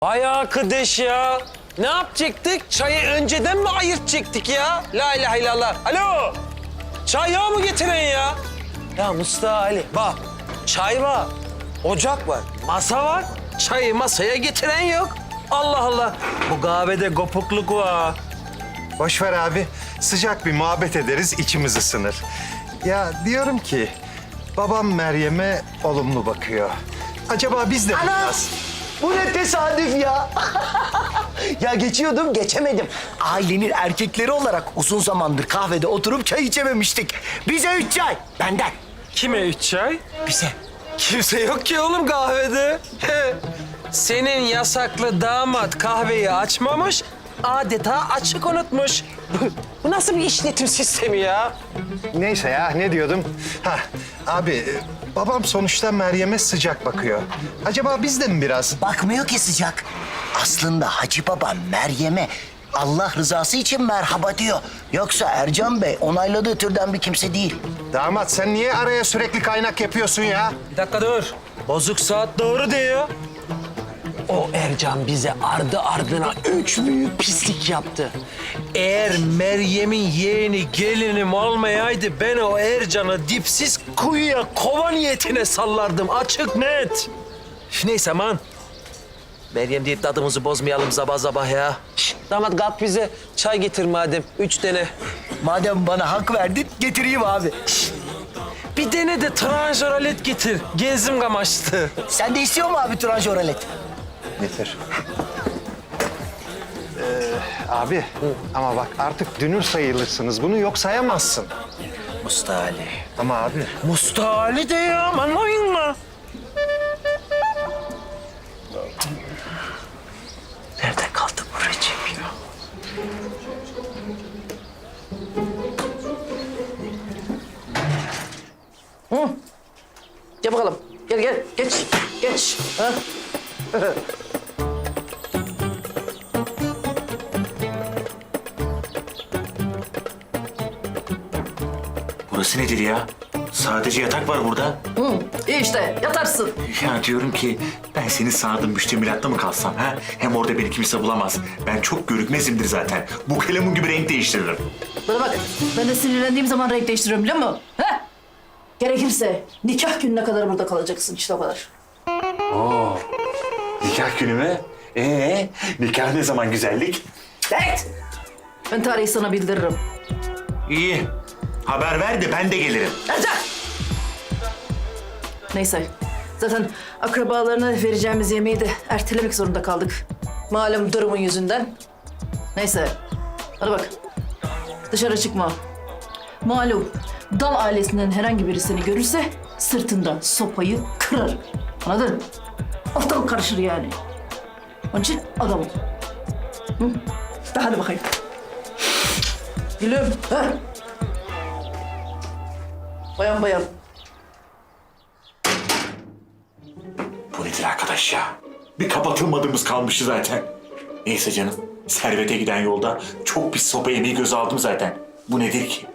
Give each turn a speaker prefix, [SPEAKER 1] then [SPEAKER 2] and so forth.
[SPEAKER 1] Vay arkadaş ya. Ne yapacaktık? Çayı önceden mi ayırtacaktık ya? La ilahe illallah. Alo. Çay yağı mı getiren ya? Ya Mustafa Ali bak. Çay var. Ocak var. Masa var. Çayı masaya getiren yok. Allah Allah. Bu kahvede kopukluk var.
[SPEAKER 2] Boş ver abi. Sıcak bir muhabbet ederiz, içimiz ısınır. Ya diyorum ki, babam Meryem'e olumlu bakıyor. Acaba biz de biraz...
[SPEAKER 3] Bu ne tesadüf ya. Ya geçiyordum, geçemedim. Ailenin erkekleri olarak uzun zamandır kahvede oturup çay içememiştik. Bize 3 çay, benden.
[SPEAKER 1] Kime 3 çay?
[SPEAKER 3] Bize.
[SPEAKER 1] Kimse yok ki oğlum kahvede. Senin yasaklı damat kahveyi açmamış, adeta açık unutmuş. Bu nasıl bir işletim sistemi ya?
[SPEAKER 2] Neyse ya, ne diyordum? Abi, babam sonuçta Meryem'e sıcak bakıyor. Acaba biz de mi biraz?
[SPEAKER 3] Bakmıyor ki sıcak. Aslında Hacı Baba Meryem'e Allah rızası için merhaba diyor. Yoksa Ercan Bey onayladığı türden bir kimse değil.
[SPEAKER 2] Damat, sen niye araya sürekli kaynak yapıyorsun ya?
[SPEAKER 1] Bir dakika dur. Bozuk saat doğru diyor. O Ercan bize ardı ardına 3 büyük pislik yaptı. Eğer Meryem'in yeğeni gelinim olmayaydı ben o Ercan'ı dipsiz kuyuya kova niyetine sallardım. Açık net. Neyse aman. Meryem deyip tadımızı bozmayalım sabah sabah ya. Şişt, damat kalk bize çay getir madem. 3 tane.
[SPEAKER 3] Madem bana hak verdin, getireyim abi.
[SPEAKER 1] Bir tane de tranjoralet getir. Gezim kamaştı.
[SPEAKER 3] Sen de istiyor mu abi tranjoralet?
[SPEAKER 2] Getir. Abi, ama bak artık dünür sayılırsınız. Bunu yok sayamazsın.
[SPEAKER 3] Mustafa Ali.
[SPEAKER 2] Ama abi...
[SPEAKER 1] Mustafa Ali de ya, anlayın mı?
[SPEAKER 3] Nerede kaldı bu Recep ya?
[SPEAKER 4] Gel bakalım. Gel gel. Geç. Geç. Ha?
[SPEAKER 5] Burası nedir ya? Sadece yatak var burada.
[SPEAKER 4] İyi işte yatarsın.
[SPEAKER 5] Ya diyorum ki ben seni sardım müştemilatta mı kalsam ha? Hem orada beni kimse bulamaz. Ben çok görükmezimdir zaten. Bu kalemun gibi renk değiştiririm.
[SPEAKER 6] Bana bak, ben de sinirlendiğim zaman renk değiştiriyorum biliyor musun? He? Gerekirse nikah gününe kadar burada kalacaksın işte o kadar.
[SPEAKER 5] Nikah günü mü? Nikah ne zaman güzellik?
[SPEAKER 6] Evet. Ben tarihi sana bildiririm.
[SPEAKER 5] İyi. Haber ver de ben de gelirim.
[SPEAKER 6] Ercan! Neyse, zaten akrabalarına vereceğimiz yemeği de ertelemek zorunda kaldık. Malum durumun yüzünden. Neyse, hadi bak. Dışarı çıkma. Malum, Dal ailesinden herhangi biri seni görürse sırtından sopayı kırar. Anladın? Ortalık karışır yani. Onun için adam ol. Hı? De hadi bakayım. Gülüm. Ha? Bayan bayan.
[SPEAKER 5] Bu nedir arkadaş ya? Bir kapatılmadığımız kalmıştı zaten. Neyse canım. Servete giden yolda çok pis sopa yemeği göze aldım zaten. Bu nedir ki?